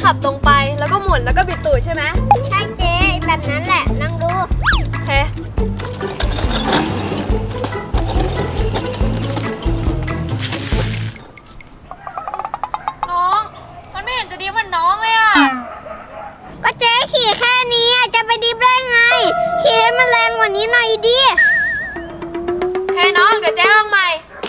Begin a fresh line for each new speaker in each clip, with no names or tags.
ขับตรงไปแล้วก็หมุนแล้วก็บิดตูดใช่ไหม
ใช่เจ๊แบบนั้นแหละลองดู
โอเคน้องมันไม่เห็นจะดีเหมือนน้องเลยอะ
ก็เจ๊ขี่แค่นี้จะไปดิฟได้ไงขี่ให้มันแรงกว่านี้หน่อยดิ
โอเคน้องเดี๋ยวเจ๊ลองใหม่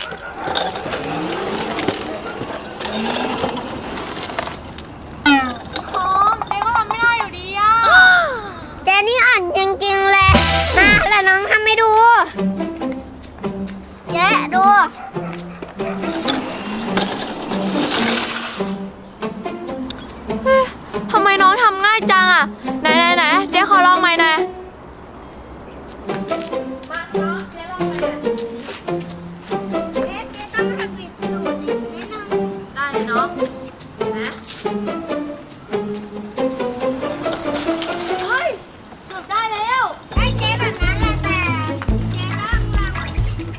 เจนี่อ่อนจริงๆเลยมาแล้วน้องทำให้ดูเจ๊ดู
ทำไมน้องทำง่ายจังอ่ะไหนเจ๊ขอลองใหม่หน่อยมาน้องเจ๊ลองใหม่
เจ๊ต้องทำบิดตูดนิดนึง
ได้เลยน้องนะได้แล้ว
ให้เจ๊แบบนั้นแหละแต่เจ๊ต้องลองได้ไหม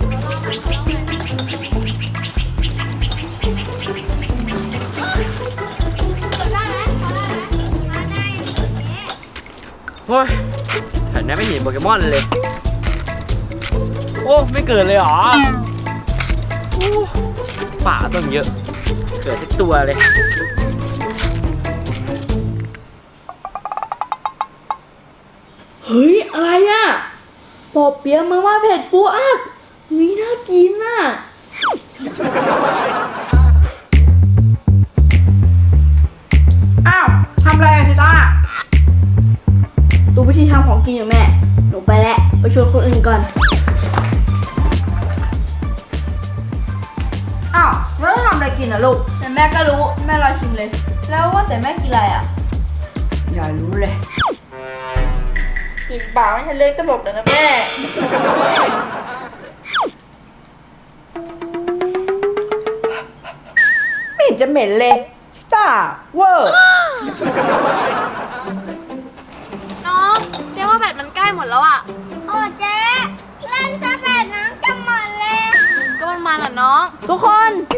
โอ้ยแถวนี้ไม่เห็นโปเกมอนเลย โอ้ไม่เกิดเลยเหรอป่าต้นเยอะ เกิดสักตัวเลย
เฮ้ยอะไรอ่ะปอเปี๊ยะมาม่าเผ็ดปูอัดเฮ้ยน่ากินอ่ะ
อ้าวทำอะไรอะพี่ต้า
ดูวิธีทำของกินอยู่แม่หนูไปแล้วไปชวนคนอื่นก่อน
อ้าวแล้วจะทำอะไรกินอะลูก
แต่แม่ก็รู้แม่รอชิมเลยแล้วว่าแต่แม่กินอะไรอ่ะ
อย่ารู้เลย
กินเปล่าไม่ใช่เล็กตลกเลยนะแม่
ไม่เห็นจะเหม็นเลยจ้าเวอร์
น้องเจ๊ว่าแบตมันใกล้หมดแล้วอ่ะ
โอ้เจ๊เล่นซะแบดน้ำจะหมดเลย
ก็มันอ่ะน้อง
ทุกคน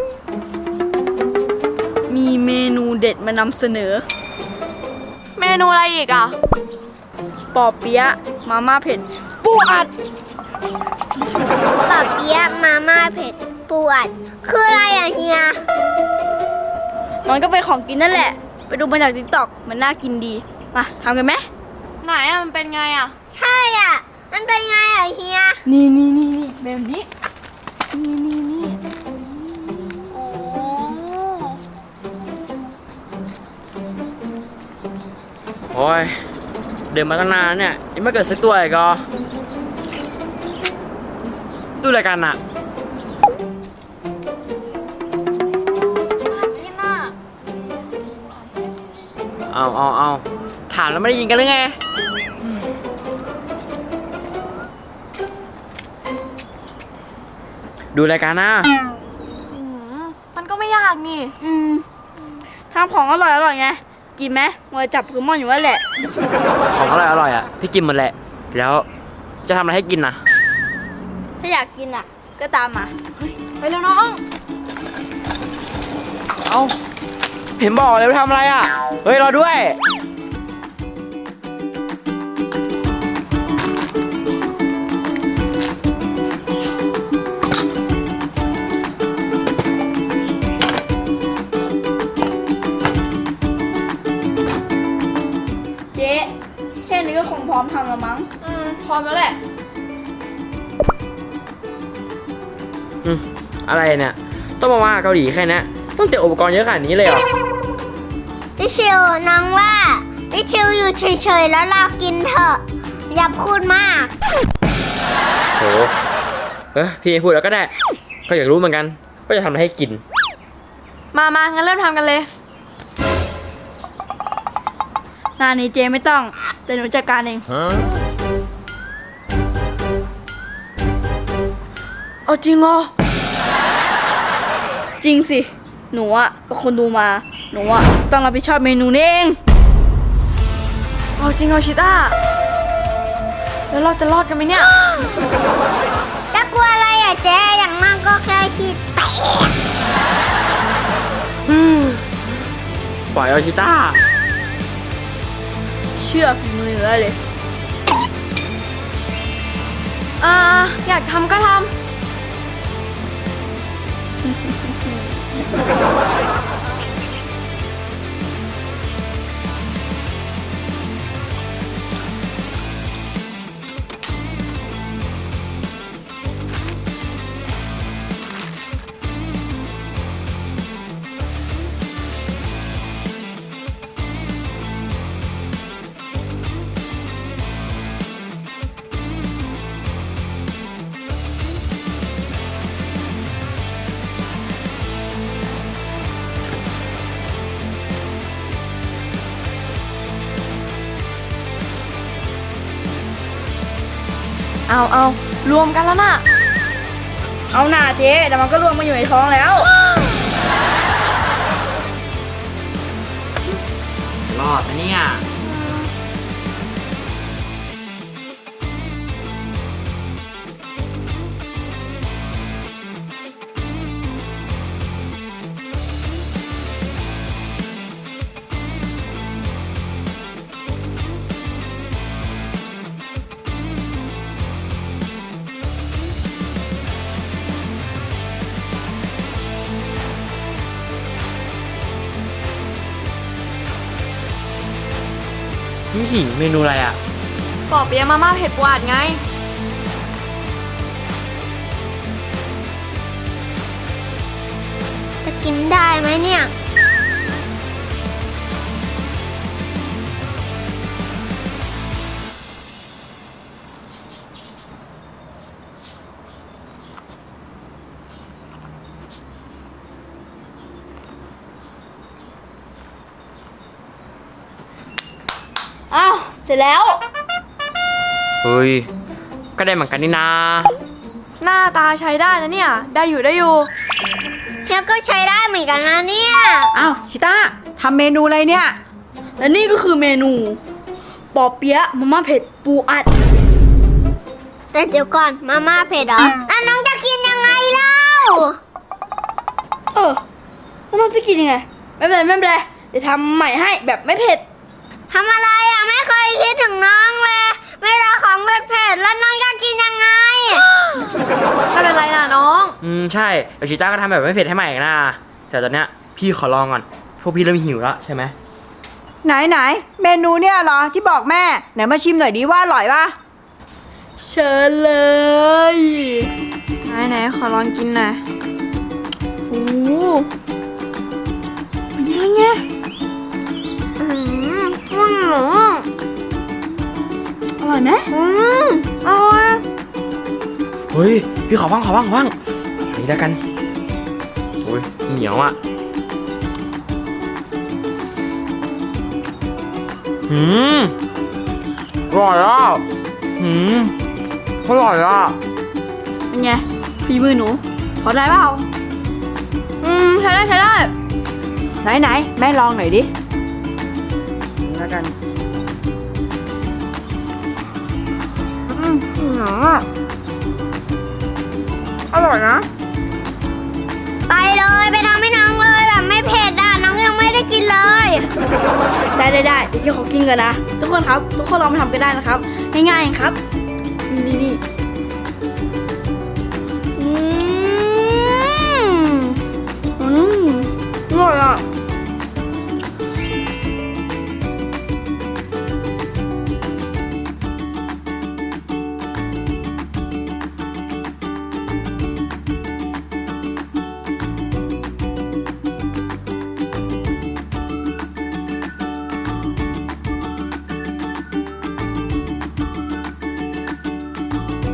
มีเมนูเด็ดมานำเสนอ
เมนูอะไรอีกอ่ะ
ปอเปี๊ยะมาม่าเผ็ดปูอัด
ปอเปี๊ยะมาม่าเผ็ดปูอัดคืออะไรอะเฮีย
มันก็เป็นของกินนั่นแหละไปดูมาจากติ๊กต็อกมันน่ากินดีมาทำกันไหม
ไหนอ่ะมันเป็นไงอ่ะ
ใช่อ่ะมันเป็นไงอะเฮีย
นี่แบบนี้นี่
โอ้ยเดินมาตั้งนานเนี่ยยังไม่เกิดสักตัวอีกเหรอดูอะไรกันอะ
กินอ่ะ
เอาถามแล้วไม่ได้ยินกันหรือไงดูรายการนะ
มันก็ไม่ยากนี่
ทำของอร่อยไงกินไหมมัวจับโปเกมอนอยู่นั่นแหละ
ของอร่อยอ่ะพี่กินหมดแหละแล้วจะทำอะไรให้กินนะ
ถ้าอยากกินอ่ะก็ตามมา
ไปแล้วน้อง
เอาเห็นบอกเลยว่าทำอะไรอ่ะเฮ้ยรอด้วย
แค่นี้ก็คงพร้อมทำแล้วมั้ง
พร้อมแล้วแหละ
อะไรเนี่ยต้องมาเกาหลีแค่นี้ต้องเตรียมอุปกรณ์เยอะขนาดนี้เลยเหรอ
พี่ชิวน้องว่าพี่ชิวอยู่เฉยๆแล้วเรากินเถอะอย่าพูดมาก
โหพี่พูดแล้วก็ได้ก็อยากรู้เหมือนกันว่าจะทำอะไรให้กิน
มางั้นเริ่มทำกันเลย
งานนี้เจไม่ต้องแต่หนูจัดการเองเอาจริงเหรอจริงสิหนูอะเป็นคนดูมาหนูอะต้องรับผิดชอบเมนูนี้เอง
เอาจริงเหรอชิต้าแล้วเราจะรอดกันไหมเนี่ย
จะกลัวอะไรอะเจ๊อย่างมากก็แค่ขี้แตก
ปล่อยเอาชิต้า
ชื่อฝีมือหนูได้เลย
อยากทำก็ทำ เอารวมกันแล้วน่ะ
เอาหน่าเจ๊แต่มันก็รวมมาอยู่ในท้องแล้ว
รอดนะเนี่ย นี่หิเมนูอะไรอ่ะ
ปอเปี๊ยะมาม่าเผ็ดหวานไง
จะกินได้ไหมเนี่ย
อ้าว เสร็จแล้ว
เฮ้ย ก็ได้เหมือนกันนี่นา
หน้าตาใช้ได้นะเนี่ย ได้อยู่
เนี่ยก็ใช้ได้เหมือนกันนะเนี่ย
อ้าวชิต้าทำเมนูอะไรเนี่ย
และนี่ก็คือเมนูปอเปี๊ยะมาม่าเผ็ดปูอัด
แต่เดี๋ยวก่อนมาม่าเผ็ดเหรอแล้วน้องจะกินยังไงเล่า
แล้วน้องจะกินยังไง ไม่เป็นไรไม่เป็นไรเดี๋ยวทำใหม่ให้แบบไม่เผ็ด
ทำอะไรอ่ะไม่เคยคิดถึงน้องเลยเวลาของเผ็ดๆแล้วน้องจะกินยังไง
ไม่เป็นไรนะน้อง
ใช่เดี๋ยวชิต้าก็ทำแบบไม่เผ็ดให้ใหม่อีกนะแต่ตอนเนี้ยพี่ขอลองก่อน พวกพี่เริ่มหิวแล้วใช่ไหม
ไหนเมนูเนี่ยเหรอที่บอกแม่ไหนมาชิมหน่อยดิว่าอร่อยป่ะ
เชิญเลย ไหนขอลองกินหน่อยโอ้โหเป็นยังไง อร่อยไหม
อร่อย
เฮ้ย พี่ขอบ้างขอนี่แล้วกันโอ้ยเหนียวอ่ะอร่อยอ่ะอร่อยอ่ะ
เป็นไงฝีมือหนูพอได้เปล่า
ใช้ได้
ไหนแม่ลองหน่อยดิ
นี่แล้วกัน อร่อยนะ
ไปเลยไปทำให้น้องเลยแบบไม่เผ็ดอ่ะน้องยังไม่ได้กินเลย
ได้เดี๋ยวพี่ขอกินก่อนนะ ทุกคนครับ ทุกคนลองไปทำกันได้นะครับ ง่ายๆครับ นี่อร่อยอ่ะ